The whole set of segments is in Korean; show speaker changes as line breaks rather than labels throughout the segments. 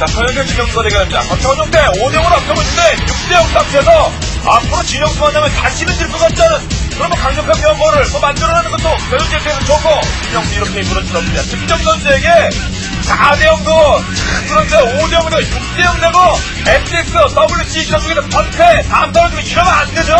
자, 서현재 진영수가 대결합니다. 권창훈 대 5대5로 앞서고 있는데 6대0 상태에서 앞으로 진영수 만나면 다시는 질 것 같지 않은 그런 강력한 면모를 만들어내는 것도 서현재 입장에서 좋고 진영수 이렇게 물어주었습니다. 김정 선수에게 4대0도 그런데 5대0도 6대0 되고 MTX, WC 전국에서 번패 다음 떨어지면 이러면 안 되죠.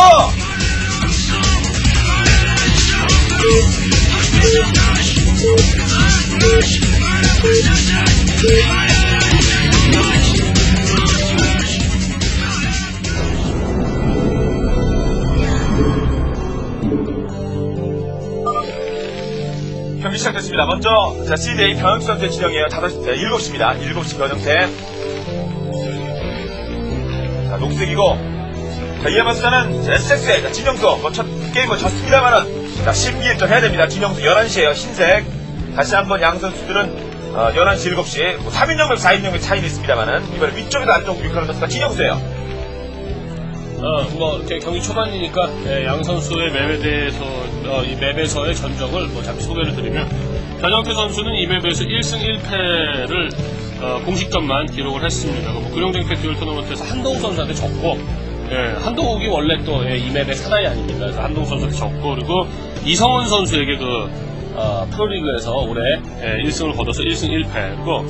경기 시작됐습니다. 먼저 자, CJ 변형태 선수의 진영이에요. 7시입니다. 7시 변형태. 자, 녹색이고 자, 이에 맞서자는 SX의 진영수 첫 게임을 졌습니다만은 자, 심기일전 해야 됩니다. 진영수 11시에요. 흰색. 다시 한번 양 선수들은 11시, 7시, 3인용백, 4인용백 차이는 있습니다만은, 이번에 위쪽에도 안쪽 유카는 선수가 진영수예요.
이렇게 경기 초반이니까, 양 선수의 맵에 대해서, 이 맵에서의 전적을 잠시 소개를 드리면, 변형태 선수는 이 맵에서 1승 1패를, 공식전만 기록을 했습니다. 구룡쟁 팩트리 토너먼트에서 한동욱 선수한테 졌고, 한동욱이 원래 또 이 맵의 사나이 아닙니까? 그래서 한동욱 선수한테 졌고, 그리고 이성훈 선수에게 프로리그에서 올해 1승을 거둬서 1승 1패고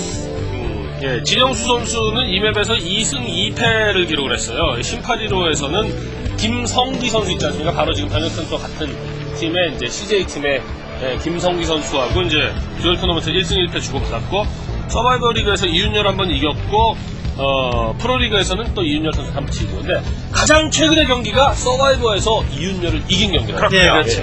진영수 선수는 이 맵에서 2승 2패를 기록을 했어요. 심파리로에서는 김성기 선수 있지 않습니까? 바로 지금 변혁 선수와 같은 팀의 이제 CJ팀의 김성기 선수하고 이제 듀얼 토너먼트 1승 1패 주고받았고 서바이벌 리그에서 이윤열 한번 이겼고 프로리그에서는 또 이윤열 선수 한번 지고 근데 가장 최근의 경기가 서바이벌에서 이윤열을 이긴 경기라고.
네, 그렇죠.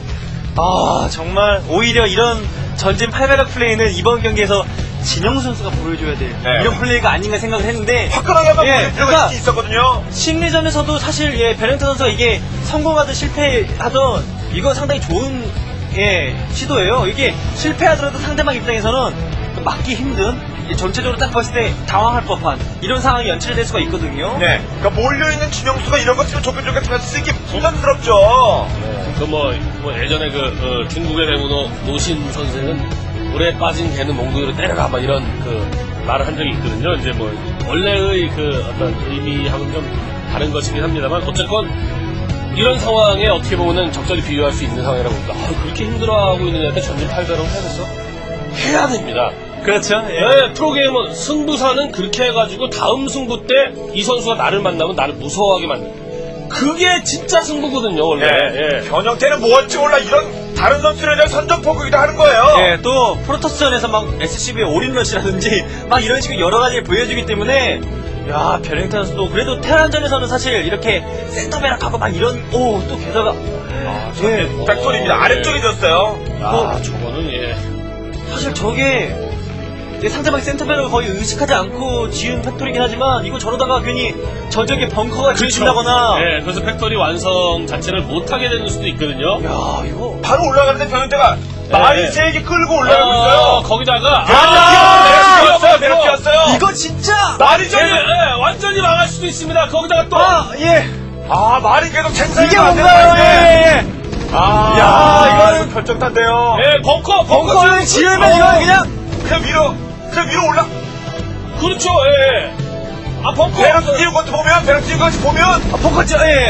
정말 오히려 이런 전진 8배럭 플레이는 이번 경기에서 진영수 선수가 보여줘야 될 이런 플레이가 아닌가 생각을 했는데
화끈하게 한번 보여줄 필요가 있었거든요.
심리전에서도 사실 변형태 선수가 이게 성공하든 실패하든 이건 상당히 좋은 시도예요. 이게 실패하더라도 상대방 입장에서는 막기 힘든 전체적으로 딱 봤을 때 당황할 법한 이런 상황이 연출될 수가 있거든요.
네, 그러니까 몰려있는 진영수가 이런 것 치면 좁게 쓰기 부담스럽죠.
예전에 중국의 배우노 노신 선생은 물에 빠진 개는 몽둥이로 때려라 이런 말을 한 적이 있거든요. 이제 원래의 어떤 의미하고는 좀 다른 것이긴 합니다만 어쨌건 이런 상황에 어떻게 보면은 적절히 비교할 수 있는 상황이라고 봅니다. 그렇게 힘들어하고 있는 애한테 전진 8배럭 해야겠어? 해야 됩니다.
그렇죠.
프로게이머 승부사는 그렇게 해가지고 다음 승부 때 이 선수가 나를 만나면 나를 무서워하게 만든다. 그게 진짜 승부거든요, 원래.
변형태는 뭐 할지 몰라 이런 다른 선수에 대한 선전포기도 하는 거예요.
또 프로토스전에서 막 SCB의 올인러시라든지 막 이런 식으로 여러 가지를 보여주기 때문에 변형태 선수도 그래도 테란전에서는 사실 이렇게 센터베락하고 막 이런 또 게다가
백돌입니다. 아래쪽이 졌어요.
저거는
사실 저게 상대방의 센터백을 거의 의식하지 않고 지은 팩토리긴 하지만 이거 저러다가 괜히 저쪽에 벙커가 지어진다거나
그래서 팩토리 완성 자체를 못하게 되는 수도 있거든요.
이거
바로 올라가는데 변형태가 많이 세게 끌고 올라가고 있어요.
거기다가
배럭 뛰었어요.
이거 진짜
말이죠.
완전히 망할 수도 있습니다. 거기다가 또
말이 계속 생산이
이게 뭔가요?
이거는 결정탄데요.
벙커를 지으면 이거
그냥 위로 올라.
그렇죠. 벙커.
배럭 띄운 것도 보면,
벙커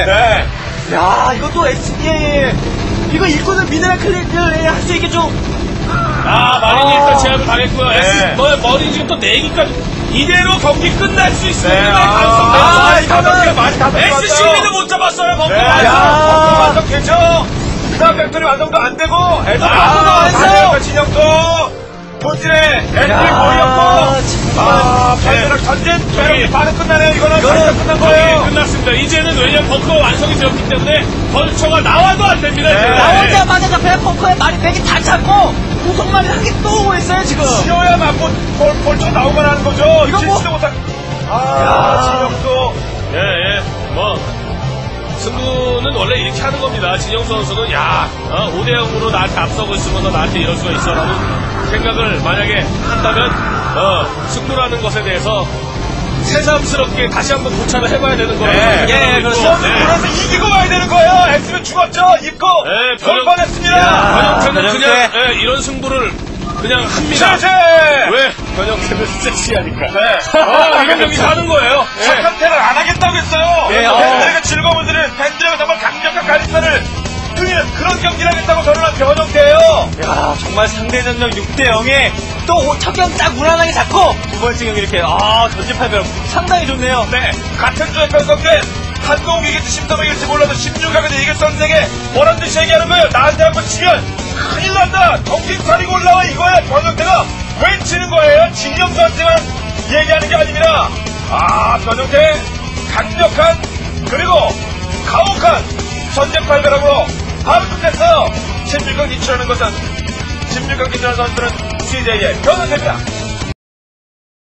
이것도 SBA 이거 일꾼은 미네랄 클릭을 할 수 있게 좀.
마린이 일단 제압을 당했고요. 머리 지금 또 4기까지. 이대로 경기 끝날 수 있습니다.
이거는 많이 다
SCB는 못 잡았어요, 벙커.
벙커 완성됐죠? 그 다음 팩토리 완성도 안 되고,
완성!
진영도, 본진에, 애들이 모였고, 배럭 전진, 배럭이 반은 끝나네요. 이거는 끝난 거예요.
끝났습니다. 이제는 왜냐면 벙커가 완성이 되었기 때문에, 벌처가 나와도 안 됩니다.
나오자마자 잡혀야 벙커에 말이 100이 다 잡고, 구속말이 한 개 또 오고 있어요, 지금.
지어야만 벌처 나오만 하는 거죠.
이거
진지도 못한. 진영도.
승부는 원래 이렇게 하는 겁니다. 진영수 선수는 5대0으로 나한테 앞서고 있으면서 나한테 이럴 수가 있어라는 생각을 만약에 한다면 승부라는 것에 대해서 새삼스럽게 다시 한번 고찰을 해봐야 되는 거예요.
그래서 이기고 와야 되는 거예요. X면 죽었죠. 입고 돌 뻔했습니다.
변형태는 그냥 이런 승부를 그냥 합니다.
제제!
왜? 변형태는 섹시하니까.
네.
이런 경기 가는 거예요.
착한 패를 안 하겠다고 했어요.
네,
팬들에게 즐거움을 드리는 팬들에게 정말 강력한 가리사를 드리는 그런 경기를 하겠다고 선언한 변형태예요.
야, 정말 상대 전력 6대 0에 또 첫 경기 딱 무난하게 잡고 두 번째 경기 이렇게 전지팔별 상당히 좋네요.
네, 같은 주에 편성된 한국 이길지 심사동 이길지 몰라도 16강에서 이길 선생에 뭐란 듯이 얘기하는 거예요. 나한테 한번 치면 큰일 난다. 정신 차리고 올라와 이거야. 변형태가 외치는 거예요. 진영수한테만 얘기하는 게 아닙니다. 변형태 강력한 그리고 가혹한 전쟁 발별함으로 바로 끝냈어요. 16강 진출하는 것은 16강 진출하는 선수는 CJ의 변형태입니다.